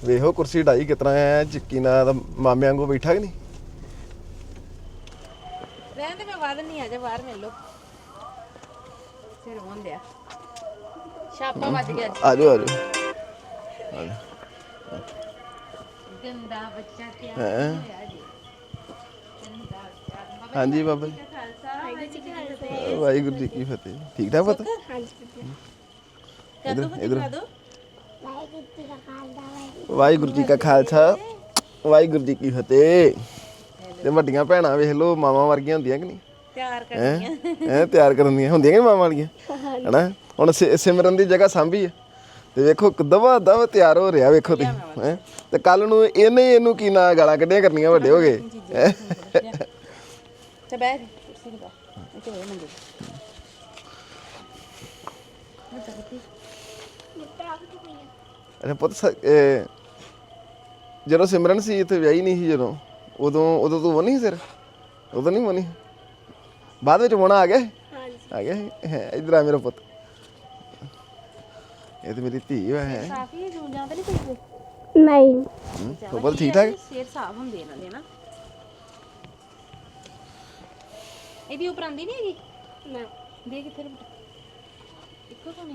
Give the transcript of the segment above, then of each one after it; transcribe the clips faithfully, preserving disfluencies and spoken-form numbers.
ਵੇਖੋ ਕੁਰਸੀ ਢਾਈ ਕਿਤਨਾ ਐ ਚਿੱਕੀ ਨਾਲ ਮਾਮੇ ਵਾਂਗੂ ਬੈਠਾ ਕਿ ਨਹੀਂ। ਰਹਿਣ ਦੇ ਮੈਂ ਵਾਦ ਨਹੀਂ ਆ ਜਾ ਬਾਹਰ ਮਿਲ ਲੋ ਫਿਰ ਹੁੰਦਿਆ ਛਾਪਾ ਵੱਜ ਗਿਆ ਆ ਜਾਓ ਆ ਜਾਓ ਗੰਦਾ ਬੱਚਾ ਕਿਆ ਹੈਂ? ਹੋਇਆ ਜੀ ਗੰਦਾ ਬੱਚਾ ਹਾਂਜੀ ਬਾਬਾ ਜੀ ਖਾਲਸਾ ਵਾਹਿਗੁਰੂ ਜੀ ਕੀ ਫਤਿਹ ਵਾਹਿਗੁਰੂ ਜੀ ਕੀ ਫਤਿਹ। ਠੀਕ ਠਾਕ ਪਤਾ ਕਦੋਂ ਇਧਰ ਦਿਖਾ ਦੋ ਵਾਹਿਗੁਰੂ ਜੀ ਕਾ ਖਾਲਸਾ ਵਾਹਿਗੁਰੂ ਜੀ ਕੀ ਫਤਿਹ। ਤੇ ਵੱਡੀਆਂ ਭੈਣਾਂ ਵੇਖ ਲੋ ਮਾਵਾਂ ਵਰਗੀਆਂ ਹੁੰਦੀਆਂ ਕਿ ਨਹੀਂ। ਤਿਆਰ ਕਰਨੀਆਂ ਹੈ ਤਿਆਰ ਕਰਨ ਦੀਆਂ ਹੁੰਦੀਆਂ ਕਿ ਮਾਵਾਂ ਵਾਲੀਆਂ ਹਨਾ। ਹੁਣ ਸਿ- ਸਿਮਰਨ ਦੀ ਜਗ੍ਹਾ ਸਾਂਭੀ ਆ ਤੇ ਵੇਖੋ ਦਵਾ ਦਵਾ ਤਿਆਰ ਹੋ ਰਿਹਾ ਵੇਖੋ ਤੁਸੀਂ ਹੈ। ਤੇ ਕੱਲ ਨੂੰ ਇਹਨੇ ਹੀ ਇਹਨੂੰ ਕੀ ਨਾ ਗਾਲਾਂ ਕੱਢੀਆਂ ਕਰਨੀਆਂ ਵੱਡੇ ਹੋ ਗਏ। ਤੇ ਬੈਠ ਕੁਰਸੀ ਤੇ ਬੈਠ ਇੱਥੇ ਹੋਏ ਮੰਗੇ ਅੱਛਾ ਪੁੱਤ ਸ- ਇਹ ਜਦੋਂ ਸਿਮਰਨ ਸੀ ਇੱਥੇ ਵਿਆਹੀ ਨਹੀਂ ਸੀ ਜਦੋਂ ਉਦੋਂ ਉਦੋਂ ਤੂੰ ਵਨੀ ਸਿਰ ਉਦੋਂ ਨਹੀਂ ਵਨੀ ਬਾਅਦ ਵਿੱਚ ਵੋਣਾ ਆ ਗਿਆ ਆ ਗਿਆ ਹੈ। ਇੱਧਰ ਆ ਮੇਰਾ ਪੁੱਤ ਇਹ ਤੇ ਮੇਰੀ ਧੀ ਵਾ ਹੈ। ਕਾਫੀ ਜੂੰਜਾਂ ਤੇ ਨਹੀਂ ਕੋਈ ਨਹੀਂ ਪੁੱਤ ਠੀਕ ਠਾਕ ਸਿਰ ਸਾਫ ਹੁੰਦੇ ਇਹਨਾਂ ਦੇ ਨਾ ਇਹਦੀ ਉੱਪਰ ਆਂਦੀ ਨਹੀਂ ਹੈਗੀ ਨਾ ਦੇ ਕਿੱਥੇ ਰੁਕ ਇੱਕੋ ਤਾਂ ਨਹੀਂ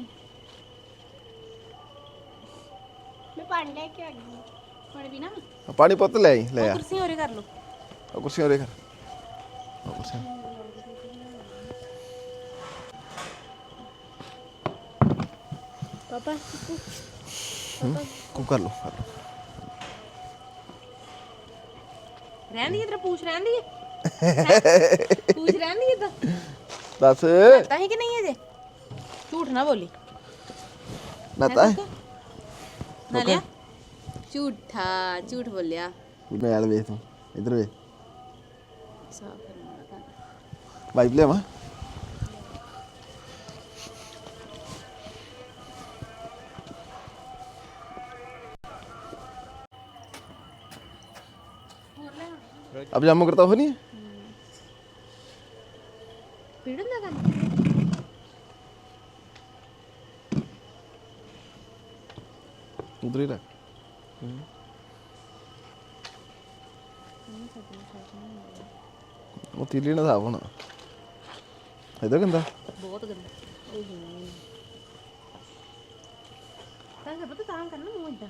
ਮੈਂ ਪਾਣੀ ਲੈ ਕੇ ਆ ਗਈ ਪਾਣੀ ਪੀਣਾ ਵਾ? ਪਾਣੀ ਪੁੱਤ ਲੈ ਆਈ ਲੈ ਆ ਕੁਰਸੀ ਹੋਰੇ ਕਰ ਲੋ ਉਹ ਕੁਰਸੀ ਹੋਰੇ ਕਰ ਉਹ ਕੁਰਸੀ ਪਾਪਾ ਕੋ ਕਰ ਲੋ ਕਰ ਲੋ ਰਹਿਣ ਦੀ ਇਧਰ ਪੂਛ ਰਹਿਣ ਦੀ ਪੂਛ ਰਹਿਣ ਦੀ ਇਧਰ ਦੱਸ ਤਾਂ ਹੀ ਕਿ ਨਹੀਂ ਅਜੇ ਝੂਠ ਨਾ ਬੋਲੀ ਨਾਤਾ ਨਾ ਲਿਆ ਝੂਠਾ ਝੂਠ ਬੋਲਿਆ ਮੈਲ ਵੇਖ ਤੂੰ ਇੱਧਰ ਵੇਖ ਸਾਫ ਕਰਨਾ ਤਾਂ ਵਾਈਪ ਲਿਆਵਾਂ अब जामू करता हो नहीं ਪੀੜ ਹੁੰਦਾ ਕੰਮ उधर ही रख वो तीली ना साफ होना इधर गंदा ਬਹੁਤ ਗੰਦਾ ਓਹੋ ਤਾਂ ਸਭ ਤਾਂ ਤਾਂ ਕਰਨਾ ਮੂੰਹ ਇਦਾਂ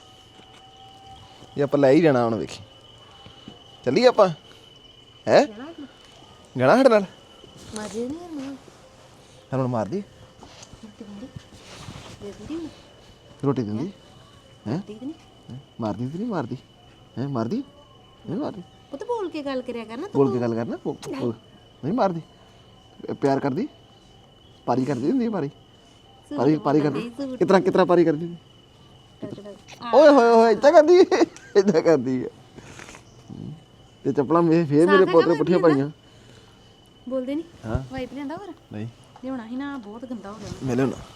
ये आप ले ही जाना हुन वेखी चलिए आप है जाना हट नाल ਮਾਜੇ ਨਹੀਂ ਮੂੰਹ हन मार दी ਰੋਟੀ ਦਿੰਦੀ ਦੇ ਦਿੰਦੀ ਮੈਂ रोटी दिंदी हैं ਦੇ ਦਿੰਦੀ मार दी नहीं मार दी हैं मार दी नहीं मार दी ਉਹ ਤਾਂ ਬੋਲ ਕੇ ਗੱਲ ਕਰਿਆ ਕਰਨਾ बोल के गल करना बोल- बोल- नहीं मार दी प्यार कर दी पारी कर दी नहीं पारी पारी पारी कर दी कितना कितना पारी कर दी ओए होए होए इतना कर दी इतना कर दी ते चप्पलां मे फिर मेरे पोतरे पुठियां पाइयां ਬੋਲਦੇ ਨਹੀਂ हाँ ਵਾਈਪ ਲਿਆਂਦਾ ਹੋਰ नहीं ਲਿਆਉਣਾ ਸੀ ਨਾ ਬਹੁਤ ਗੰਦਾ ਹੋ ਗਿਆ मिले ना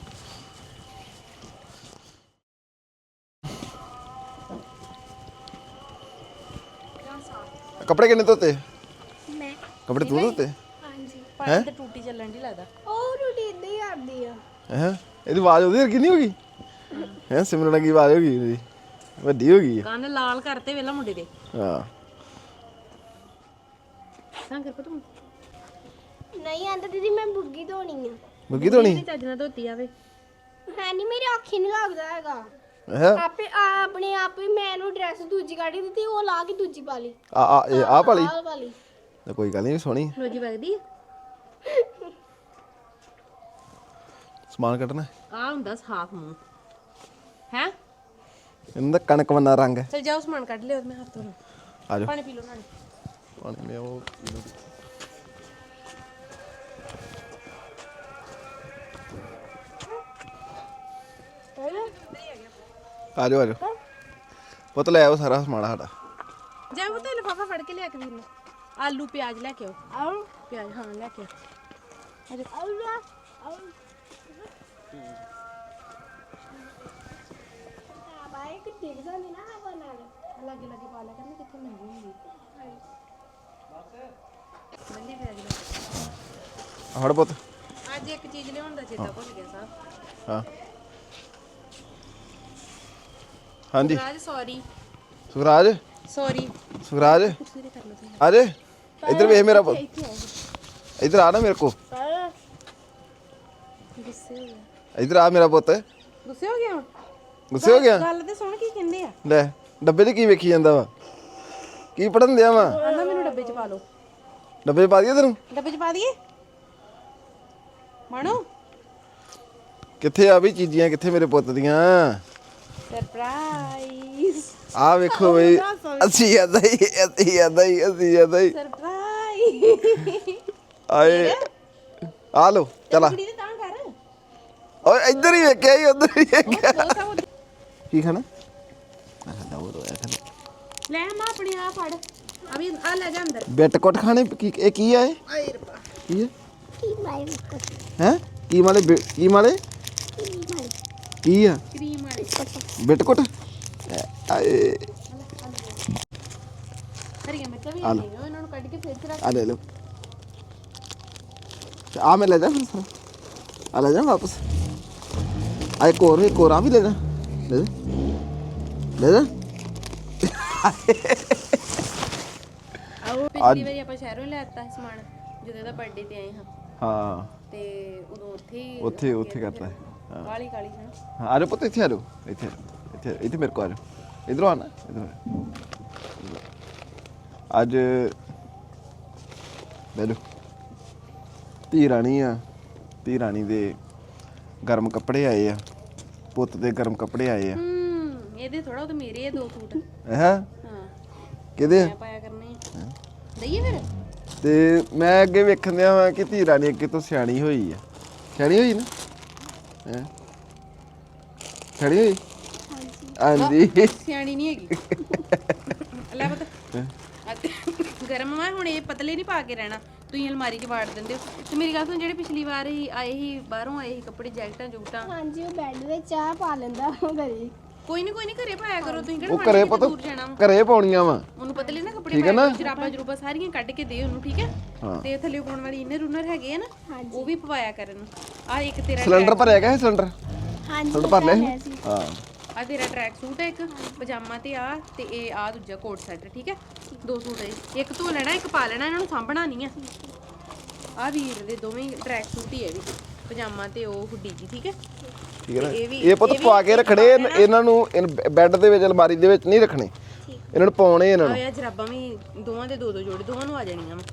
कपड़े किन्ने धोते ਮੈਂ कपड़े तू धोते ਹਾਂਜੀ ਪਾਣੀ ਤੇ ਟੂਟੀ ਚੱਲਣ ਦੀ ਲੱਗਦਾ ਉਹ ਰੋਟੀ ਇਦਾਂ ਹੀ ਕਰਦੀ ਆ हैं ਇਹਦੀ ਆਵਾਜ਼ ਉਹਦੀ ਵਰਗੀ ਨਹੀਂ ਹੋ ਗਈ ਹੈ ਸਿਮਰਨ ਦੀ ਆਵਾਜ਼ ਹੋ ਗਈ ਇਹਦੀ ਵੱਡੀ ਹੋ ਗਈ ਹੈ ਕੰਨ ਲਾਲ ਕਰਤੇ ਵੇਲਾ ਮੁੰਡੇ ਦੇ ਹਾਂ ਤਾਂ ਕਰ ਪਤੂ ਨਹੀਂ ਆਂਦਾ ਦੀਦੀ ਮੈਂ ਬੁੱਗੀ ਧੋਣੀ ਆ ਮੁਰਗੀ ਧੋਣੀ ਚੱਜ ਨਾਲ ਧੋਤੀ ਆਵੇ ਹੈ ਨਹੀਂ ਮੇਰੀ ਅੱਖੀ ਨਹੀਂ ਲੱਗਦਾ ਹੈਗਾ ਹੈ ਆਪੇ ਆ- ਆਪਣੇ ਆਪ ਹੀ ਮੈਂ ਇਹਨੂੰ ਡਰੈਸ ਦੂਜੀ ਕੱਢ ਦਿੱਤੀ ਉਹ ਲਾ ਕੇ ਦੂਜੀ ਪਾ ਲਈ ਆ ਆ ਇਹ ਆ ਪਾਲੀ ਆਹ ਵਾਲੀ ਤਾਂ ਕੋਈ ਗੱਲ ਨਹੀਂ ਸੋਹਣੀ ਰੋਜੀ ਵਗਦੀ ਸਮਾਨ ਕੱਢਣਾ ਆ ਹੁੰਦਾ ਸਾਫ ਮੂੰਹ ਹੈ ਇਹਨਾਂ ਦਾ ਕਣਕ ਵੰਨਾ ਰੰਗ ਹੈ ਚਲ ਜਾਓ ਸਮਾਨ ਕੱਢ ਲਿਓ ਮੈਂ ਹੱਥ ਧੋ ਲਾਂ ਆ ਜਾਓ ਪਾਣੀ ਪੀ ਲਓ ਨਾਲੇ ਪਾਣੀ ਲਿਆਓ ਆ ਜਾਓ ਆ ਜਾਓ ਪੁੱਤ ਲੈ ਆਓ ਸਾਰਾ ਸਮਾਨ ਸਾਡਾ ਜਾ ਉਹ ਤੇ ਲਿਫਾਫਾ ਫੜ ਕੇ ਲਿਆ ਕੇ ਵੀਰ ਨੂੰ ਆਲੂ ਪਿਆਜ਼ ਲੈ ਕੇ ਆਓ ਆਉ ਪਿਆਜ਼ ਹਾਂ ਲੈ ਕੇ ਆਓ ਆਉ ਆਉ ਬਾਈ ਕਿ ਦੇਖ ਜਾਂਦੀ ਨਾ ਹਵਾ ਨਾਲ ਲਾਗੇ ਲਾਗੇ ਪਾ ਲਿਆ ਕਰਨਾ ਕਿੱਥੇ ਮਹਿੰਗੀ ਹੁੰਦੀ ਬਸ ਮਹਿੰਗੀ ਪਿਆਜ਼ ਲੈ ਹੜ ਪੁੱਤ ਅੱਜ ਇੱਕ ਚੀਜ਼ ਲਿਆਉਣ ਦਾ ਚੇਤਾ ਭੁੱਲ ਗਿਆ ਸਾਹਿਬ ਹਾਂ ਹਾਂਜੀ ਰਾਜ ਸੌਰੀ ਸੁਖਰਾਜ ਸੌਰੀ ਸੁਖਰਾਜ ਆ ਜੇ ਇੱਧਰ ਵੇਖ ਮੇਰਾ ਪੁੱਤ ਇੱਧਰ ਆ ਨਾ ਮੇਰੇ ਕੋ ਗੁੱਸੇ ਹੋ ਗਿਆ ਇੱਧਰ ਆ ਮੇਰਾ ਪੁੱਤ ਗੁੱਸੇ ਹੋ ਗਿਆ ਗੁੱਸੇ ਹੋ ਗਿਆ ਗੱਲ ਤੇ ਸੁਣ ਕੀ ਕਹਿੰਦੇ ਆ ਲੈ ਡੱਬੇ 'ਚ ਕੀ ਵੇਖੀ ਜਾਂਦਾ ਵਾ ਕੀ ਪੜਨ ਦਿਆ ਵਾ ਆਂਦਾ ਮੈਨੂੰ ਡੱਬੇ 'ਚ ਪਾ ਲਓ ਡੱਬੇ 'ਚ ਪਾ ਦਈਏ ਤੈਨੂੰ ਡੱਬੇ 'ਚ ਪਾ ਦਈਏ ਮਾਣੋ ਕਿੱਥੇ ਆ ਵੀ ਚੀਜ਼ੀਆਂ ਕਿੱਥੇ ਮੇਰੇ ਪੁੱਤ ਦੀਆਂ ਸਰਪ੍ਰਾਈਜ਼ ਆ ਵੇਖੋ ਬਈ ਅਸੀਂ ਆਦਾ ਹੀ ਅਸੀਂ ਆਦਾ ਹੀ ਅਸੀਂ ਆਦਾ ਹੀ ਸਰਪ੍ਰਾਈਜ਼ ਆਏ ਆ ਲੋ ਚਲਾ ਕੁੜੀ ਦੇ ਤਾਂ ਕਰ ਓਏ ਇੱਧਰ ਹੀ ਵੇਖਿਆ ਹੀ ਉੱਧਰ ਹੀ ਵੇਖਿਆ ਬਹੁਤ ਸਭ ਕੀ ਖਾਣਾ ਆ ਲਓ ਰੋਇਆ ਖਾਣਾ ਲੈ ਮਾਂ ਆਪਣੀ ਆ ਫੜ ਆ ਵੀ ਆ ਲੈ ਜਾ ਅੰਦਰ ਬਿੱਟ ਕੁੱਟ ਖਾਣੇ ਕੀ ਇਹ ਕੀ ਆ ਇਹ ਆਏ ਰੱਬਾ ਕੀ ਹੈ ਕੀ ਮਾਈ ਹੈ ਕੀ ਮਾਲੇ ਬਿ- ਕੀ ਮਾਲੇ ਕੀ ਆ ਕਰੀਮ ਵਾਲੇ ਬਿੱਟ ਕੁੱਟ ਆਏ ਹਰੀਆਂ ਮਿਰਚਾਂ ਵੀ ਆ ਲਓ। ਆਈਆਂ ਇਹਨਾਂ ਨੂੰ ਕੱਢ ਕੇ ਫੇਰ ਚ ਰੱਖ ਆ ਲੈ ਲਓ ਆ ਮੈਂ ਲੈ ਜਾ ਫਿਰ ਸਾਰਾ ਆ ਲੈ ਜਾ ਵਾਪਸ ਆ ਇੱਕ ਹੋਰ ਇੱਕ ਹੋਰ ਆ ਵੀ ਲੈ ਜਾ ਲੈ ਜਾ ਲੈ ਜਾ ਆਓ ਪਿਛਲੀ ਵਾਰੀ ਆਪਾਂ ਸ਼ਹਿਰੋਂ ਲੈ ਆਤਾ ਸੀ ਸਮਾਨ ਜਦੋਂ ਇਹਦਾ ਬਰਥਡੇ ਤੇ ਆਏ ਹਾਂ ਹਾਂ ਤੇ ਉਦੋਂ ਉੱਥੇ ਹੀ ਉੱਥੇ ਉੱਥੇ ਕਰਤਾ ਹੈ ਹਾਂ ਕਾਲੀ ਕਾਲੀ ਹੈ ਹਾਂ, ਆ ਜਾਓ ਪੁੱਤ ਇੱਥੇ ਆ ਜਾਓ ਇੱਥੇ ਇੱਥੇ ਇੱਥੇ ਮੇਰੇ ਕੋਲ ਆ ਜਾਓ ਇਧਰੋਂ ਆਣਾ ਇਧਰੋਂ ਅੱਜ ਬੈਲੋ ਧੀ ਰਾਣੀ ਆ ਧੀ ਰਾਣੀ ਦੇ ਗਰਮ ਕੱਪੜੇ ਆਏ ਆ ਪੁੱਤ ਦੇ ਗਰਮ ਕੱਪੜੇ ਆਏ ਆ ਹੂੰ ਇਹਦੇ ਥੋੜਾ ਉਹ ਤਾਂ ਮੇਰੇ ਆ ਦੋ ਸੂਟ ਹੈ ਹਾਂ ਕਿਹਦੇ ਆ ਮੈਂ ਪਾਇਆ ਕਰਨੇ ਆ ਦਈਏ ਫਿਰ ਤੇ ਮੈਂ ਅੱਗੇ ਵੇਖਣ ਦਿਆ ਵਾਂ ਕਿ ਧੀ ਰਾਣੀ ਅੱਗੇ ਤੋਂ ਸਿਆਣੀ ਹੋਈ ਆ ਸਿਆਣੀ ਹੋਈ ਨਾ ਹੈ ਸਿਆਣੀ ਹੋਈ ਹਾਂਜੀ ਸਿਆਣੀ ਨਹੀਂ ਹੈਗੀ ਲੈ ਪਤਾ ਗਰਮ ਵਾ ਹੁਣ ਇਹ ਪਤਲੇ ਨਹੀਂ ਪਾ ਕੇ ਰਹਿਣਾ ਤੁਸੀਂ ਅਲਮਾਰੀ 'ਚ ਵਾੜ ਦਿੰਦੇ ਹੋ ਤੇ ਮੇਰੀ ਗੱਲ ਸੁਣ ਜਿਹੜੇ ਪਿਛਲੀ ਵਾਰ ਹੀ ਆਏ ਸੀ ਬਾਹਰੋਂ ਆਏ ਸੀ ਕੱਪੜੇ ਜੈਕਟਾਂ ਜੁਕਟਾਂ ਹਾਂਜੀ ਉਹ ਬੈੱਡ ਵਿੱਚ ਚਾਹ ਪਾ ਲੈਂਦਾ ਉਹ ਘਰੇ ਕੋਈ ਨਹੀਂ ਕੋਈ ਨਹੀਂ ਘਰੇ ਪਾਇਆ ਕਰੋ ਤੁਸੀਂ ਕਿਹੜਾ ਉਹ ਘਰੇ ਪਤਾ ਪਤਾ ਦੂਰ ਜਾਣਾ ਵਾ। ਘਰੇ ਪਾਉਣੀਆਂ ਵਾ ਉਹਨੂੰ ਪਤਲੇ ਨਾ ਕੱਪੜੇ ਠੀਕ ਹੈ ਪਾਇਆ ਨਾ? ਜਰਾਬਾਂ ਜਰੂਬਾਂ ਸਾਰੀਆਂ ਕੱਢ ਕੇ ਦੇ ਉਹਨੂੰ ਠੀਕ ਹੈ ਹਾਂ। ਤੇ ਥੱਲੇ ਪਾਉਣ ਵਾਲੀ ਇਨਰ ਉਨਰ ਹੈਗੇ ਆ ਨਾ ਉਹ ਵੀ ਪਵਾਇਆ ਕਰਨ ਆ ਇੱਕ ਤੇਰਾ ਸਿਲੰਡਰ ਭਰਿਆ ਗਿਆ ਸਿਲੰਡਰ ਹਾਂਜੀ ਸਿਲੰਡਰ ਭਰ ਲਿਆ ਸੀ? ਹਾਂ ਆ ਤੇਰਾ ਟਰੈਕ ਸੂਟ ਹੈ ਇੱਕ ਪਜਾਮਾ ਤੇ ਆ ਤੇ ਇਹ ਆ ਦੂਜਾ ਕੋਟ ਸੈਟ ਠੀਕ ਹੈ ਦੋ ਸੂਟ ਹੈ ਇੱਕ ਧੋ ਲੈਣਾ ਇੱਕ ਪਾ ਲੈਣਾ ਇਹਨਾਂ ਨੂੰ ਸਾਂਭਣਾ ਨਹੀਂ ਆ ਆ ਵੀਰ ਦੇ ਦੋਵੇਂ ਟਰੈਕ ਸੂਟ ਹੀ ਹੈ ਵੀ ਪਜਾਮਾ ਤੇ ਉਹ ਹੁੱਡੀ ਜੀ ਠੀਕ ਹੈ ਠੀਕ ਹੈ ਨਾ ਇਹ ਵੀ- ਇਹ ਪੁੱਤ ਪਵਾ ਕੇ ਰੱਖਣੇ ਇਹਨ- ਇਹਨਾਂ ਨੂੰ ਬੈੱਡ ਦੇ ਵਿੱਚ ਅਲਮਾਰੀ ਦੇ ਵਿੱਚ ਨਹੀਂ ਰੱਖਣੇ ਇਹਨਾਂ ਨੂੰ ਪਾਉਣੇ ਇਹਨਾਂ ਨੂੰ ਆ ਜਰਾਬਾਂ ਵੀ ਦੋਵਾਂ ਦੇ ਦੋ ਦੋ ਜੋੜੇ ਦੋਵਾਂ ਨੂੰ ਆ ਜਾਣੀਆਂ ਵਾ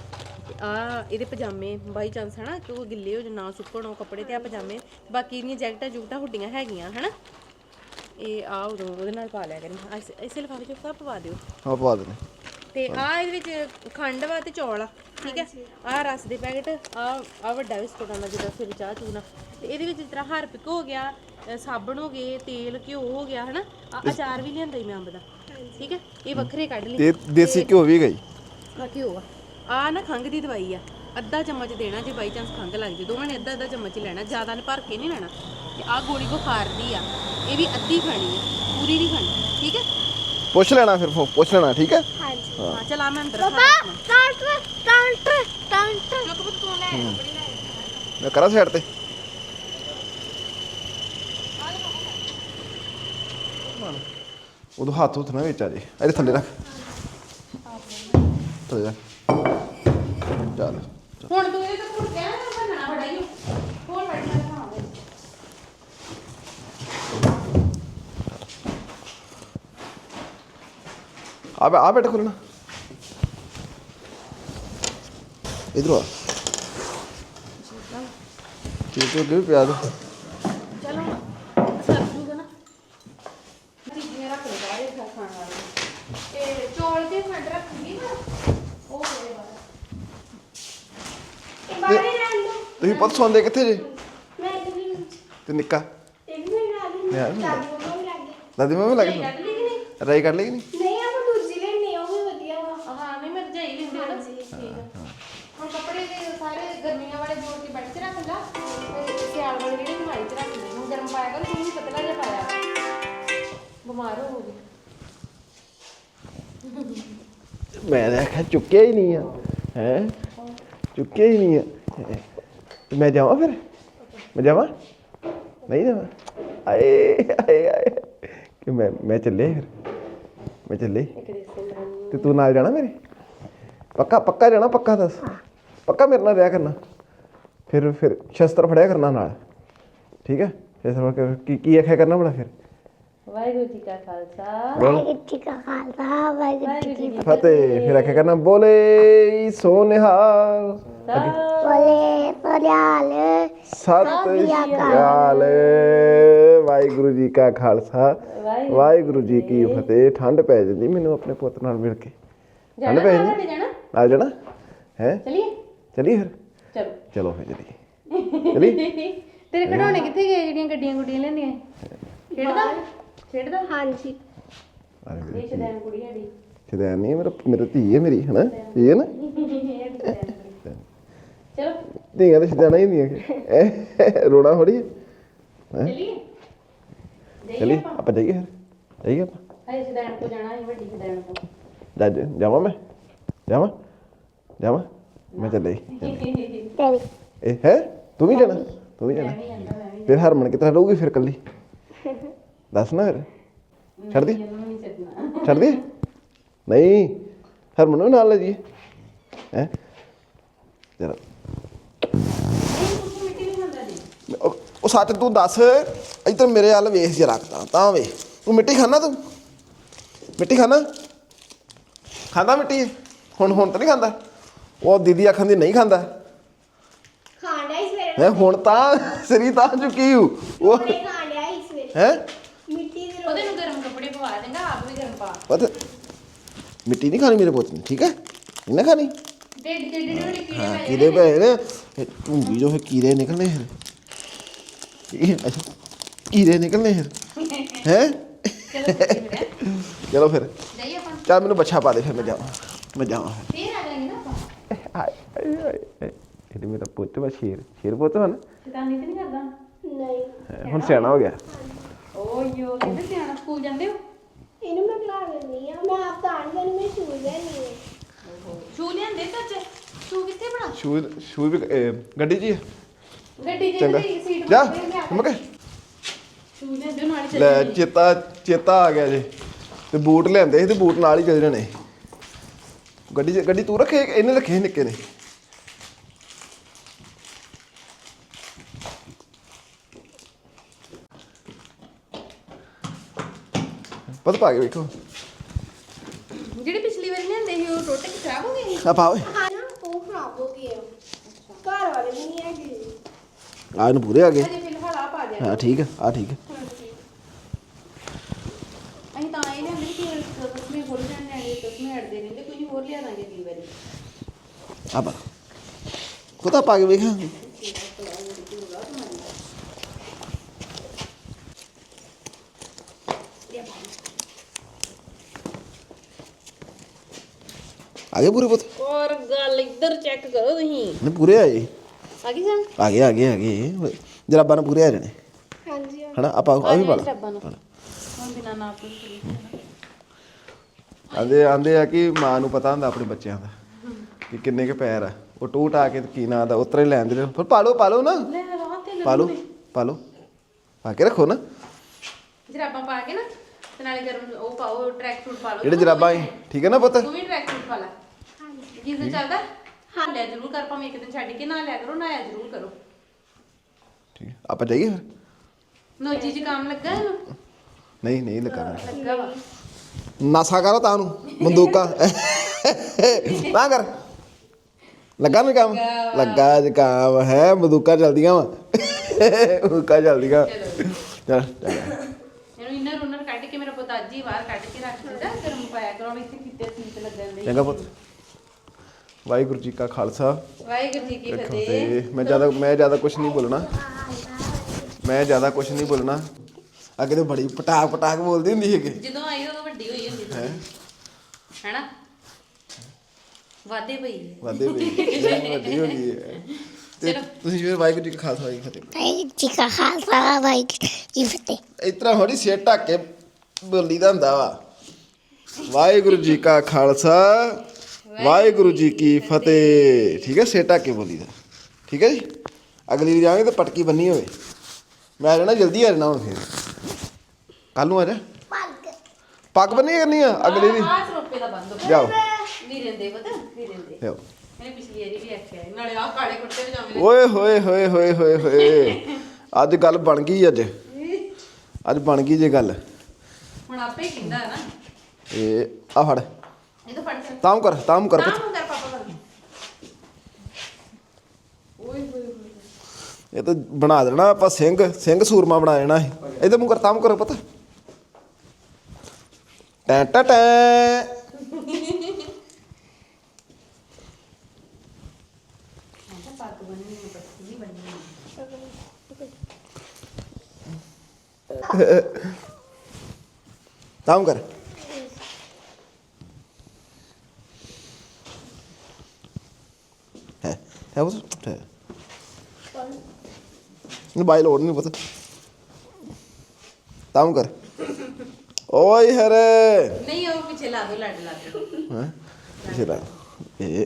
ਆ ਇਹਦੇ ਪਜਾਮੇ ਬਾਈ ਚਾਂਸ ਹਨਾ ਕਿ ਉਹ ਗਿੱਲੇ ਹੋ ਜਾਂ ਨਾ ਸੁੱਕਣ ਉਹ ਕੱਪੜੇ ਤੇ ਆ ਪਜਾਮੇ ਬਾਕੀ ਇਹਦੀਆਂ ਜੈਕਟਾਂ ਜੁਕਟਾਂ ਹੁੱਡੀਆਂ ਹੈਗੀਆਂ ਹਨਾ ਇਹ ਆ ਉਦੋਂ ਉਹਦੇ ਨਾਲ ਪਾ ਲਿਆ ਕਰੀ ਆ ਇਸ- ਇਸੇ ਲਿਫਾਫੇ 'ਚ ਸਭ ਪਵਾ ਦਿਓ ਹਾਂ ਪਵਾ ਦੇਣੇ ਤੇ ਆ ਇਹਦੇ ਵਿੱਚ ਖੰਡ ਵਾ ਤੇ ਚੌਲ ਆ ਠੀਕ ਹੈ ਆ ਰਸ ਦੇ ਪੈਕਟ ਆ ਆ ਵੱਡਾ ਬਿਸਕੁਟ ਆਉਂਦਾ ਜਿਹਦਾ ਫਿਰ ਚਾਹ ਚੂਨਾ ਤੇ ਇਹਦੇ ਵਿੱਚ ਜਿਸ ਤਰ੍ਹਾਂ ਹਰਪਿਕ ਹੋ ਗਿਆ ਅ, ਸਾਬਣ ਹੋ ਗਏ ਤੇਲ ਘਿਓ ਹੋ ਗਿਆ ਹਨਾ ਆ ਅਚਾਰ ਵੀ ਲਿਆਂਦਾ ਹੀ ਮੈਂ ਅੰਬ ਦਾ ਠੀਕ ਹੈ ਇਹ ਵੱਖਰੇ ਕੱਢ ਲਈ ਤੇ ਦੇਸੀ ਘਿਓ ਵੀ ਗਈ ਆ ਘਿਓ ਆ ਆ ਨਾ ਖੰਘ ਦੀ ਦਵਾਈ ਆ ਅੱਧਾ ਚਮਚ ਦੇਣਾ ਜੇ ਬਾਈ ਚਾਂਸ ਖੰਘ ਲੱਗ ਜੇ ਦੋਵਾਂ ਨੇ ਅੱਧਾ ਅੱਧਾ ਚਮਚ ਹੀ ਲੈਣਾ ਜ਼ਿਆਦਾ ਨੇ ਭਰ ਕੇ ਨਹੀਂ ਲੈਣਾ ਤੇ ਆ ਗੋਲੀ ਬੁਖਾਰ ਦੀ ਆ ਇਹ ਵੀ ਅੱਧੀ ਖਾਣੀ ਆ ਪੂਰੀ ਨਹੀਂ ਖਾਣੀ ਠੀਕ ਹੈ ਪੁੱਛ ਲੈਣਾ ਫਿਰ ਫੋ- ਪੁੱਛ ਲੈਣਾ ਠੀਕ ਹੈ ਹਾਂਜੀ ਹਾਂ ਚਲ ਆ ਮੈਂ ਅੰਦਰ ਪਾਪਾ ਕਾਊਂਟਰ ਕਾਊਂਟਰ ਕਾਊਂਟਰ ਚੁੱਕ ਪੁੱਤ ਤੂੰ ਲੈ ਕੱਪੜੇ ਲੈ ਮੈਂ ਕਰਾਂ ਸਾਈਡ ਤੇ ਉਦੋਂ ਹੱਥ ਹੁੱਥ ਨਾ ਵਿੱਚ ਆ ਜੇ ਇਹਦੇ ਥੱਲੇ ਰੱਖ ਥੱਲੇ ਰੱਖ ਚੱਲ ਹੁਣ ਤੂੰ ਇਹ ਤਾਂ ਕੁੜ ਕਹਿਣਾ ਨਾ ਬਣਨਾ ਬੜਾ ਹੀ ਹੋਰ ਬੈਠਾ ਖਾਵਾਂਗੇ ਆ ਬੈ ਆ ਬੈਠ ਖੋਲਣਾ ਇਧਰ ਆ ਠੀਕ ਹੈ ਕਿ ਪਿਆ ਦੋ ਚਲੋ ਸਰ ਜੂਗਾ ਨਾ ਚੀਜ਼ੀਆਂ ਰੱਖ ਲੈ ਬਾਹਰ ਇਹ ਖਾਣ ਵਾਲੇ ਤੇ ਚੌਲ ਤੇ ਖੰਡ ਰੱਖੂਗੀ ਨਾ ਉਹ ਹੋਏ ਬਾਹਰ ਇਹ ਬਾਹਰ ਹੀ ਰਹਿਣ ਦੋ ਤੁਸੀਂ ਪੁੱਤ ਸੌਂਦੇ ਕਿੱਥੇ ਜੇ ਮੈਂ ਇੱਧਰ ਹੀ ਤੇ ਨਿੱਕਾ ਇਹ ਵੀ ਮੇਰੇ ਨਾਲ ਹੀ ਯਾਰ। ਦਾਦੀ ਮੰਮਾ ਵੀ ਲੱਗ ਗਏ ਦਾਦੀ ਮੰਮੀ ਲੱਗ ਕੱਢ ਲਈ ਕਿ ਨਹੀਂ ਰਾਈ ਕੱਢ ਲਈ ਕਿ ਨਹੀਂ ਨਹੀਂ ਆਪਾਂ ਦੂਜੀ ਲੈਣੀ ਉਹ ਵੀ ਵਧੀਆ ਵਾ ਹਾਂ ਨਹੀਂ ਮੈਂ ਜਾਈ ਲੈਂਦੀ ਹਾਂ ਨਾ ਠੀਕ ਹੈ ਹੁਣ ਕੱਪੜੇ ਦੇ ਸਾਰੇ ਗਰਮੀਆਂ ਵਾਲੇ ਜੋੜ ਕੇ ਬੈਠ ਚ ਰੱਖ ਲਾ ਤੇ ਸਿਆਲ ਵਾਲੇ ਜਿਹੜੇ ਹਮਾਈ ਚ ਰੱਖ ਲੈ ਹੁਣ ਗਰਮ ਪਾਇਆ ਕਰ ਤੂੰ ਵੀ ਪਤਲਾ ਜਿਹਾ ਪਾਇਆ ਬਿਮਾਰ ਹੋਊਗੀ ਮੈਂ ਤਾਂ ਆਖਿਆ ਚੁੱਕਿਆ ਹੀ ਨਹੀਂ ਆ ਹੈ ਚੁੱਕਿਆ ਹੀ ਨਹੀਂ ਆ ਤੇ ਮੈਂ ਜਾਵਾਂ ਫਿਰ ਮੈਂ ਜਾਵਾਂ ਨਹੀਂ ਜਾਵਾਂ ਆਏ ਆਏ ਆਏ ਤੇ ਮੈਂ ਮੈਂ ਚੱਲੇ ਫਿਰ ਮੈਂ ਚੱਲੇ ਤੇ ਤੂੰ ਨਾਲ ਜਾਣਾ ਮੇਰੇ ਪੱਕਾ ਪੱਕਾ ਜਾਣਾ ਪੱਕਾ ਦੱਸ ਪੱਕਾ ਮੇਰੇ ਨਾਲ ਰਿਹਾ ਕਰਨਾ ਫਿਰ ਫਿਰ ਸ਼ਸਤਰ ਫੜਿਆ ਕਰਨਾ ਨਾਲ ਠੀਕ ਹੈ ਸ਼ਸਤਰ ਕੀ ਕੀ ਆਖਿਆ ਕਰਨਾ ਬੜਾ ਫਿਰ ਵਾਹਿਗੁਰੂ ਜੀ ਕਾ ਖਾਲਸਾ ਵਾਹਿਗੁਰੂ ਜੀ ਕਾ ਖਾਲਸਾ ਵਾਹਿਗੁਰੂ ਜੀ ਕੀ ਫਤਿਹ ਫਿਰ ਆਖਿਆ ਕਰਨਾ ਬੋਲੇ ਸੋ ਨਿਹਾਲ ਬੋਲੇ ਬੋਲਿਆਲ ਸਤਿ ਸ਼੍ਰੀ ਅਕਾਲ ਵਾਹਿਗੁਰੂ ਜੀ ਕਾ ਖਾਲਸਾ ਵਾਹਿਗੁਰੂ ਜੀ ਕੀ ਫਤਿਹ ਠੰਡ ਪੈ ਜਾਂਦੀ ਮੈਨੂੰ ਆਪਣੇ ਪੁੱਤ ਨਾਲ ਮਿਲ ਕੇ ਠੰਡ ਪੈ ਜਾਂਦੀ ਨਾਲ ਜਾਣਾ ਹੈ ਚਲਿਏ ਚਲੀਏ ਫਿਰ ਚਲੋ ਚਲੋ ਫਿਰ ਚਲੀਏ ਚਲੀ ਤੇਰੇ ਖਿਡੌਣੇ ਕਿੱਥੇ ਗਏ ਜਿਹੜੀਆਂ ਗੱਡੀਆਂ ਗੁੱਡੀਆਂ ਲੈਣੀਆਂ ਖੇਡਦਾ ਖੇਡਦਾ ਹਾਂਜੀ ਇਹ ਸ਼ਦੈਨ ਕੁੜੀ ਸਾਡੀ ਸ਼ਦੈਨ ਨਹੀਂ ਮੇਰਾ ਮੇਰਾ ਧੀ ਹੈ ਮੇਰੀ ਹਨਾ ਧੀ ਹੈ ਨਾ ਚਲੋ ਧੀਆਂ ਤਾਂ ਸ਼ਦੈਨਾਂ ਹੀ ਹੁੰਦੀਆਂ ਰੋਣਾ ਥੋੜੀ ਹੈ ਚਲਿਏ ਚਲੀ ਆਪਾਂ ਜਾਈਏ ਫਿਰ ਜਾਈਏ ਆਪਾਂ ਹਾਏ ਸ਼ਦੈਨ ਕੋ ਜਾਣਾ ਹੈ ਵੱਡੀ ਸ਼ਦੈਨ ਕੋ ਜਾ ਜਾਵਾਂ ਮੈਂ ਜਾਵਾਂ ਜਾਵਾਂ ਮੈਂ ਚੱਲੇ ਤੇਰੀ ਇਹ ਹੈ ਤੂੰ ਵੀ ਜਾਣਾ ਤੂੰ ਵੀ ਜਾਣਾ ਫਿਰ ਹਰਮਨ ਕਿਤਨਾ ਰਹੂਗੀ ਫਿਰ ਕੱਲੀ ਦੱਸ ਨਾ ਫਿਰ ਛੱਡ ਦੀ ਛੱਡ ਦੀ ਨਹੀਂ ਹਰਮਨ ਨੂੰ ਨਾਲ ਲੈ ਜੀ ਹੈ ਜਰਾ ਉਹ ਸੱਚ ਤੂੰ ਦੱਸ ਇੱਧਰ ਮੇਰੇ ਵੱਲ ਵੇਖ ਜਰਾ ਤਾਂ ਵੇ ਤੂੰ ਮਿੱਟੀ ਖਾਣਾ ਤੂੰ ਮਿੱਟੀ ਖਾਣਾ ਖਾਂਦਾ ਮਿੱਟੀ ਹੁਣ ਹੁਣ ਤਾਂ ਨਹੀਂ ਖਾਂਦਾ ਉਹ ਦੀਦੀ ਆਖਣ ਦੀ ਨਹੀਂ ਖਾਂਦਾ ਖਾਂਡਾ ਇਸ ਵੇਲੇ ਹੈ ਹੁਣ ਤਾਂ ਸਰੀ ਤਾਂ ਚੁੱਕੀ ਹੂੰ ਉਹ ਖਾਂਡਿਆ ਇਸ ਵੇਲੇ ਹੈ ਮਿੱਟੀ ਦੇ ਉਹਦੇ ਨੂੰ ਗਰਮ ਕੱਪੜੇ ਪਵਾ ਦੇਂਗਾ ਆਪ ਵੀ ਗਰਮ ਪਾ ਪਤਾ ਮਿੱਟੀ ਨਹੀਂ ਖਾਣੀ ਮੇਰੇ ਪੁੱਤ ਨੇ ਠੀਕ ਹੈ ਨਹੀਂ ਨਾ ਖਾਣੀ ਡੇਢ ਡੇਢ ਡੇਢ ਕੀੜੇ ਹਾਂ ਪੈ ਕੀੜੇ ਪਏ ਨੇ ਢੂੰਗੀ ਜੋ ਫਿਰ ਕੀੜੇ ਨਿਕਲਣੇ ਫਿਰ ਇਹ ਅੱਛਾ ਕੀੜੇ ਨਿਕਲਣੇ ਫਿਰ ਹੈ ਚਲੋ ਫਿਰ ਜਾਈਏ ਆਪਾਂ ਚੱਲ ਮੈਨੂੰ ਬੱਚਾ ਪਾ ਦੇ ਫਿਰ ਮੈਂ ਜਾਵਾਂ ਮੈਂ ਜਾਵਾਂ ਫੇਰ ਆ ਜਾਏਂਗੇ ਨਾ ਆਪਾਂ ਹਾਏ ਹਾਏ ਹਾਏ ਇਹ ਮੇਰਾ ਪੁੱਤ ਵਾ ਸ਼ੇਰ ਸ਼ੇਰ ਪੁੱਤ ਵਾ ਨਾ ਸ਼ੈਤਾਨੀ ਤੇ ਨਹੀਂ ਕਰਦਾ ਨਹੀਂ ਹੁਣ ਸਿਆਣਾ ਹੋ ਗਿਆ ਓ ਯੋ ਕਿੱਥੇ ਸਿਆਣਾ ਸਕੂਲ ਜਾਂਦੇ ਹੋ ਇਹਨੂੰ ਮੈਂ ਖਿਲਾ ਲੈਂਦੀ ਆ ਮੈਂ ਆਪ ਤਾਂ ਆਣ ਜਾਣੀ ਮੈਂ ਸ਼ੂਜ਼ ਲੈ ਨਹੀਂ ਸ਼ੂ ਲਿਆਂਦੇ ਸੱਚ ਸ਼ੂ ਕਿੱਥੇ ਬਣਾ ਸ਼ੂ ਸ਼ੂ ਵੀ ਇਹ ਗੱਡੀ 'ਚ ਹੀ ਆ ਗੱਡੀ ਚੰਗਾ ਜਿਹੜੀ ਸੀਟ ਜਾ ਤੇ ਮੱਕੇ ਸ਼ੂ ਲਿਆਂਦੇ ਨਾਲ ਹੀ ਲੈ ਚੱਲੇ ਚੇਤਾ ਚੇਤਾ ਆ ਗਿਆ ਜੇ ਤੇ ਬੂਟ ਲਿਆਂਦੇ ਸੀ ਤੇ ਬੂਟ ਨਾਲ ਹੀ ਚੱਲ ਜਾਣੇ ਗੱਡੀ 'ਚ ਗੱਡੀ ਤੂੰ ਰੱਖੇ ਇਹਨੇ ਰੱਖੇ ਸੀ ਨਿੱਕੇ ਨੇ ਪਤਾ ਪਾ ਕੇ ਵੇਖੋ ਜਿਹੜੀ ਪਿਛਲੀ ਵਾਰੀ ਲਿਆਂਦੇ ਸੀ ਉਹ ਟੁੱਟ ਕੇ ਖਰਾਬ ਹੋ ਗਏ ਸੀ ਆ ਪਾ ਓਏ ਹਾਂ ਨਾ ਉਹ ਖਰਾਬ ਹੋ ਗਏ ਆ। ਘਰ ਵਾਲੇ ਵੀ ਨਹੀਂ ਹੈਗੇ ਆ ਇਹਨੂੰ ਪੂਰੇ ਆ ਗਏ ਅਜੇ ਫਿਲਹਾਲ ਆ ਪਾ ਦਿਆ ਹਾਂ ਠੀਕ ਆ ਆ ਠੀਕ ਆ ਅਸੀਂ ਤਾਂ ਇਹ ਲਿਆਂਦੇ ਕਿ ਕਸਮੇ ਖੋਲ ਜਾਂਦੇ ਨੇ ਕਸਮੇ ਅੜਦੇ ਰਹਿੰਦੇ ਕੋਈ ਹੋਰ ਲਿਆ ਦਾਂਗੇ ਅਗਲੀ ਵਾਰੀ ਆ ਪਾ ਖੁਦਾ ਪਾ ਕੇ ਵੇਖਾਂ ਆ ਗਏ ਪੂਰੇ ਪੁੱਤ ਔਰ ਗੱਲ ਇੱਧਰ ਚੈੱਕ ਕਰੋ ਤੁਸੀਂ ਨੇ ਪੂਰੇ ਆਏ ਆ ਗਈ ਜਾਨ ਆ ਗਏ ਆ ਗਏ ਆ ਗਏ ਜਰਾਬਾਂ ਨਾਲ ਪੂਰੇ ਆ ਜਾਣੇ ਹਾਂਜੀ ਹਨਾ ਆਪਾਂ ਆ ਵੀ ਪਾ ਲਾ ਰੱਬਾਂ ਨੂੰ ਹੁਣ ਬਿਨਾ ਨਾਪ ਤੋਂ ਆਂਦੇ ਆਂਦੇ ਆ ਕਿ ਮਾਂ ਨੂੰ ਪਤਾ ਹੁੰਦਾ ਆਪਣੇ ਬੱਚਿਆਂ ਦਾ ਕਿ ਕਿੰਨੇ ਕੇ ਪੈਰ ਆ ਉਹ ਟੂਟ ਆ ਕੇ ਕੀ ਨਾਂ ਦਾ ਉਤਰੇ ਲੈਂਦੇ ਨੇ ਫਿਰ ਪਾ ਲਓ ਪਾ ਲਓ ਨਾ ਲੈ ਰਾਹ ਤੇ ਪਾ ਲਓ ਪਾ ਲਓ ਪਾ ਕੇ ਰੱਖੋ ਨਾ ਜਰਾਬਾਂ ਪਾ ਕੇ ਨਾ ਤੇ ਨਾਲੇ ਗਰਮ ਉਹ ਪਾਓ ਟਰੈਕ ਸੂਟ ਪਾ ਲਓ ਜਿਹੜੇ ਜਰਾਬਾਂ ਸੀ ਠੀਕ ਹੈ ਨਾ ਪੁੱਤ ਤੂੰ ਵੀ ਟਰੈਕ ਸੂਟ ਪਾ ਲੈ ਹਾਂਜੀ ਜਿਸ ਚੱਲਦਾ ਹਾਂ ਲਿਆ ਜ਼ਰੂਰ ਕਰ ਭਾਵੇਂ ਇੱਕ ਦਿਨ ਛੱਡ ਕੇ ਨਾ ਲਿਆ ਕਰੋ ਨਾ ਆਇਆ ਜ਼ਰੂਰ ਕਰੋ ਠੀਕ ਹੈ ਆਪਾਂ ਜਾਈਏ ਫਿਰ ਨੋਜੀ ਜੀ ਕੰਮ ਲੱਗਾ ਇਹਨੂੰ ਨਹੀਂ ਨਹੀਂ ਲੱਗਾ ਲੱਗਾ ਵਾ ਨਾਸਾ ਕਰੋ ਤਾਂ ਨੂੰ ਬੰਦੂਕਾਂ ਨਾ ਕਰ ਲੱਗਾ ਨਾ ਕੰਮ ਲੱਗਾ ਜੀ ਕੰਮ ਹੈ ਬੰਦੂਕਾਂ ਚੱਲਦੀਆਂ ਵਾ ਬੰਦੂਕਾਂ ਚੱਲਦੀਆਂ ਚੱਲ ਚੱਲ ਇਹਨੂੰ ਇੰਨਾ ਰੋਨਰ ਕੱਢ ਕੇ ਮੇਰਾ ਪੁੱਤ ਅੱਜ ਹੀ ਬਾਹਰ ਕੱਢ ਕੇ ਰੱਖ ਦਿੱਤਾ ਗਰਮ ਪਾਇਆ ਕਰੋ ਇੱਥੇ ਕਿਤੇ ਸੀਟ ਲੱਗਣ ਦੇ ਚੰਗਾ ਪੁੱਤ ਵਾਹਿਗੁਰੂ ਜੀ ਕਾ ਖਾਲਸਾ ਵਾਹਿਗੁਰੂ ਜੀ ਕੀ ਫਤਿਹ ਤੇ ਮੈਂ ਜ਼ਿਆਦਾ ਮੈਂ ਜ਼ਿਆਦਾ ਕੁਝ ਨਹੀਂ ਬੋਲਣਾ ਮੈਂ ਜ਼ਿਆਦਾ ਕੁਝ ਨਹੀਂ ਬੋਲਣਾ ਅੱਗੇ ਤੇ ਬੜੀ ਪਟਾਕ ਪਟਾਕ ਬੋਲਦੀ ਹੁੰਦੀ ਹੈਗੀ ਜਦੋਂ ਆਈ ਉਦੋਂ ਵੱਡੀ ਹੋਈ ਹੁੰਦੀ ਸੀ ਹੈਨਾ ਵਾਦੇ ਪਈ ਵਾਦੇ ਪਈ ਵੱਡੀ ਹੋ ਗਈ ਹੈ ਤੇ ਤੁਸੀਂ ਫਿਰ ਵਾਹਿਗੁਰੂ ਜੀ ਕਾ ਖਾਲਸਾ ਵਾਹਿਗੁਰੂ ਜੀ ਕੀ ਫਤਿਹ ਵਾਹਿਗੁਰੂ ਜੀ ਕਾ ਖਾਲਸਾ ਵਾਹਿਗੁਰੂ ਜੀ ਕੀ ਫਤਿਹ ਇਸ ਤਰ੍ਹਾਂ ਥੋੜੀ ਸਿਰ ਢੱਕ ਕੇ ਬੋਲੀ ਦਾ ਹੁੰਦਾ ਵਾ ਵਾਹਿਗੁਰੂ ਜੀ ਕਾ ਖਾਲਸਾ ਵਾਹਿਗੁਰੂ ਜੀ ਕੀ ਫਤਿਹ ਠੀਕ ਹੈ ਸਿਰ ਢੱਕ ਕੇ ਬੋਲੀ ਦਾ ਠੀਕ ਹੈ ਜੀ ਅਗਲੀ ਵਾਰ ਜਾਵਾਂਗੇ ਤਾਂ ਪਟਕੀ ਬੰਨੀ ਹੋਵੇ ਮੈਂ ਆ ਜਾਣਾ ਜਲਦੀ ਆ ਜਾਣਾ ਹੁਣ ਫਿਰ ਕੱਲ ਨੂੰ ਆ ਜਾ ਪੱਗ ਬੰਨੀ ਕਰਨੀ ਆ ਅਗਲੀ ਦੀ ਆਹ ਸਰੋਪੇ ਦਾ ਬੰਦ ਹੋ ਗਿਆ ਜਾਓ ਵੀਰੇ ਦੇ ਪਤਾ ਵੀਰੇ ਦੇ ਲਿਆਓ ਇਹਨੇ ਪਿਛਲੀ ਵਾਰੀ ਵੀ ਆਖਿਆ ਸੀ, ਨਾਲੇ ਆਹ ਕਾਲੇ ਕੁੜਤੇ ਪਜਾਮੇ ਓਏ ਹੋਏ ਹੋਏ ਹੋਏ ਹੋਏ ਹੋਏ ਅੱਜ ਗੱਲ ਬਣ ਗਈ ਅੱਜ ਅੱਜ ਬਣ ਗਈ ਜੇ ਗੱਲ ਹੁਣ ਆਪੇ ਹੀ ਕਹਿੰਦਾ ਹੈ ਨਾ ਇਹ ਆ ਫੜ ਇਹ ਤਾਂ ਫੜ ਕੇ ਤਾਮ ਕਰ ਤਾਮ ਕਰ ਤਾਂ ਹੁੰਦਾ ਪਾਪਾ ਕਰ ਓਏ ਹੋਏ ਹੋਏ ਇਹ ਤਾਂ ਬਣਾ ਦੇਣਾ ਆਪਾਂ ਸਿੰਘ ਸਿੰਘ ਸੂਰਮਾ ਬਣਾ ਦੇਣਾ ਇਹ ਇਹਦੇ ਮੂੰਹ ਕਰ ਤਾਮ ਕਰੋ ਪਤਾ ਟੈਂ ਟੈਂ ਟੈਂ ਪੱਗ ਬੰਨਣੀ ਹੈ ਪੱਤੀ ਨਹੀਂ ਬੰਨਣੀ ਤਾਮ ਕਰ ਹੈ ਹੈ ਉਹ ਹੈ ਨੂੰ ਬਾਈ ਲੋੜ ਨਹੀਂ ਪਤਾ ਤਾਮ ਕਰ ਓਏ ਹਰੇ ਨਹੀਂ ਉਹ ਪਿੱਛੇ ਲਾ ਦੋ ਲੱਡ ਲਾ ਦੋ ਹੈ ਜਿਹੜਾ ਇਹ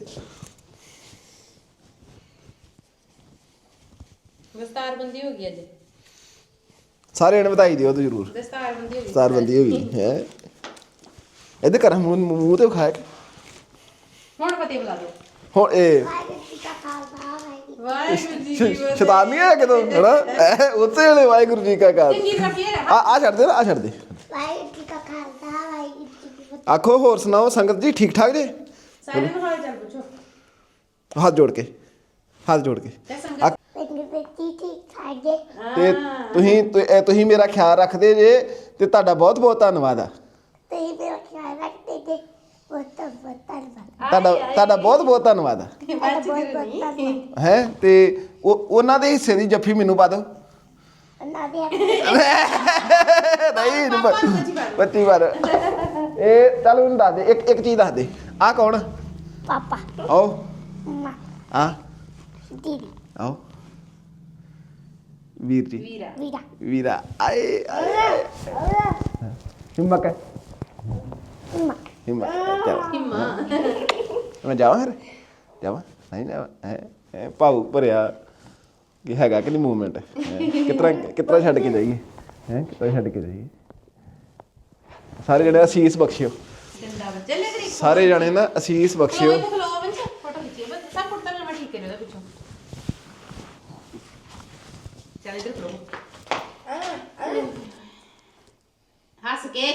ਦਸਤਾਰਬੰਦੀ ਹੋ ਗਈ ਅੱਜ ਸਾਰੇ ਨੇ ਵਧਾਈ ਦਿਓ ਤੂੰ ਜ਼ਰੂਰ ਦਸਤਾਰਬੰਦੀ ਹੋ ਗਈ ਸਤਾਰਬੰਦੀ ਹੋ ਗਈ ਹੈ ਇਹਦੇ ਕਰ ਮੂੰਹ ਮੂੰਹ ਤੇ ਖਾਇਆ ਹੁਣ ਫਤਿਹ ਬੁਲਾ ਦਿਓ ਹੁਣ ਇਹ ਵਾਹਿਗੁਰੂ ਜੀ ਕੀ ਫਤਿਹ ਸ਼ੈਤਾਨ ਨਹੀਂ ਹੈ ਕਿਦੋਂ ਹਨਾ ਇਹ ਉੱਥੇ ਵਾਲੇ ਵਾਹਿਗੁਰੂ ਜੀ ਕਾ ਤੇ ਖਾਲਸਾ ਕੀ ਰੱਖੀਏ ਆ ਆ ਛੱਡ ਦੇ ਨਾ ਆ ਛੱਡ ਦੇ ਆਖੋ ਹੋਰ ਸੁਣਾਓ ਸੰਗਤ ਜੀ ਠੀਕ ਠਾਕ ਜੇ ਸਾਰਿਆਂ ਨੂੰ ਹਾਲ ਚਾਲ ਪੁੱਛੋ ਹੱਥ ਜੋੜ ਕੇ ਹੱਥ ਜੋੜ ਕੇ ਤੇ ਸੰਗਤ ਆ- ਤੇ ਤੁਸੀਂ ਤੁ- ਇਹ ਤੁਸੀਂ ਮੇਰਾ ਖਿਆਲ ਰੱਖਦੇ ਜੇ ਤੇ ਤੁਹਾਡਾ ਬਹੁਤ ਬਹੁਤ ਧੰਨਵਾਦ ਆ ਤੁਹਾਡਾ ਤੁਹਾਡਾ ਬਹੁਤ ਬਹੁਤ ਧੰਨਵਾਦ ਆ ਹੈ ਤੇ ਉਹ ਉਹਨਾਂ ਦੇ ਹਿੱਸੇ ਦੀ ਜੱਫੀ ਮੈਨੂੰ ਪਾ ਦਿਓ ਨਹੀਂ ਬੱਤੀ ਵਾਰ ਇਹ ਚੱਲ ਉਹਨੂੰ ਦੱਸ ਦੇ ਇੱਕ ਇੱਕ ਚੀਜ਼ ਦੱਸ ਦੇ ਆ ਕੌਣ ਪਾਪਾ ਆਓ ਮਮਾ ਆ ਦੀਦੀ ਆਓ ਵੀਰ ਜੀ ਵੀਰਾ ਵੀਰਾ ਵੀਰਾ ਆਏ ਆਏ ਹਿੰਮਤ ਹੈ ਮਮਾ ਹਿੰਮਤ ਚਲ ਹਿੰਮਾ ਮੈਂ ਜਾਵਾਂ ਫਿਰ ਜਾਵਾਂ ਨਹੀਂ ਜਾਵਾਂ ਹੈ ਹੈ ਭਾਉ ਭਰਿਆ ਕਿ ਹੈਗਾ ਕਿ ਨਹੀਂ ਮੂਵਮੈਂਟ ਕਿਤਨਾ ਕਿਤਨਾ ਛੱਡ ਕੇ ਜਾਈਏ ਹੈ ਕਿਤਨਾ ਛੱਡ ਕੇ ਜਾਈਏ ਸਾਰੇ ਜਣੇ ਅਸੀਸ ਬਖਸ਼ਿਓ ਜਿੰਦਾ ਬੱਚੇ ਲੈ ਕਰੀ ਸਾਰੇ ਜਣੇ ਨਾ ਅਸੀਸ ਬਖਸ਼ਿਓ ਖਲੋ ਖਲੋ ਬੰਚ ਫੋਟੋ ਖਿੱਚੀਏ ਬਸ ਸਭ ਫੋਟੋ ਮੈਂ ਠੀਕ ਕਰਿਓ ਉਹਦਾ ਪਿੱਛੋਂ ਚੱਲ ਇਧਰ ਖਲੋ ਹੱਸ ਕੇ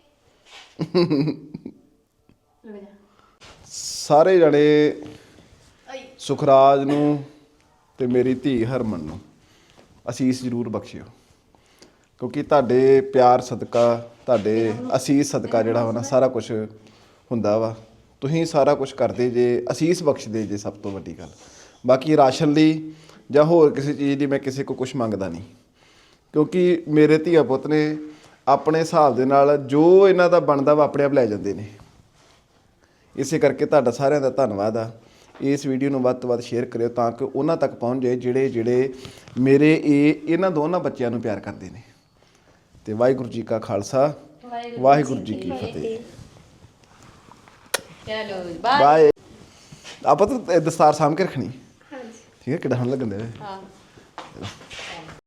ਰੁਕ ਜਾ ਸਾਰੇ ਜਣੇ ਸੁਖਰਾਜ ਨੂੰ ਤੇ ਮੇਰੀ ਧੀ ਹਰਮਨ ਨੂੰ ਅਸੀਸ ਜ਼ਰੂਰ ਬਖਸ਼ਿਓ ਕਿਉਂਕਿ ਤੁਹਾਡੇ ਪਿਆਰ ਸਦਕਾ ਤੁਹਾਡੇ ਅਸੀਸ ਸਦਕਾ ਜਿਹੜਾ ਵਾ ਨਾ ਸਾਰਾ ਕੁਝ ਹੁੰਦਾ ਵਾ ਤੁਸੀਂ ਸਾਰਾ ਕੁਝ ਕਰਦੇ ਜੇ ਅਸੀਸ ਬਖਸ਼ਦੇ ਜੇ ਸਭ ਤੋਂ ਵੱਡੀ ਗੱਲ ਬਾਕੀ ਰਾਸ਼ਨ ਲਈ ਜਾਂ ਹੋਰ ਕਿਸੇ ਚੀਜ਼ ਦੀ ਮੈਂ ਕਿਸੇ ਕੋ ਕੁਝ ਮੰਗਦਾ ਨਹੀਂ ਕਿਉਂਕਿ ਮੇਰੇ ਧੀਆ ਪੁੱਤ ਨੇ ਆਪਣੇ ਹਿਸਾਬ ਦੇ ਨਾਲ ਜੋ ਇਹਨਾਂ ਦਾ ਬਣਦਾ ਵਾ ਆਪਣੇ ਆਪ ਲੈ ਜਾਂਦੇ ਨੇ ਇਸੇ ਕਰਕੇ ਤੁਹਾਡਾ ਸਾਰਿਆਂ ਦਾ ਧੰਨਵਾਦ ਆ ਇਸ ਵੀਡੀਓ ਨੂੰ ਵੱਧ ਤੋਂ ਵੱਧ ਸ਼ੇਅਰ ਕਰਿਓ ਤਾਂ ਕਿ ਉਹਨਾਂ ਤੱਕ ਪਹੁੰਚ ਜਾਏ ਜਿਹੜੇ ਜਿਹੜੇ ਮੇਰੇ ਇਹ ਇਹਨਾਂ ਦੋਨਾਂ ਬੱਚਿਆਂ ਨੂੰ ਪਿਆਰ ਕਰਦੇ ਨੇ ਤੇ ਵਾਹਿਗੁਰੂ ਜੀ ਕਾ ਖਾਲਸਾ ਵਾਹਿਗੁਰੂ ਜੀ ਕੀ ਫਤਿਹ ਚਲੋ ਬਾਏ ਬਾਏ ਆਪਾਂ ਤਾਂ ਦਸਤਾਰ ਸਾਂਭ ਕੇ ਰੱਖਣੀ ਹਾਂਜੀ ਠੀਕ ਹੈ ਕਿੱਦਾਂ ਹਣ ਲੱਗਣ ਦੇ ਹਾਂ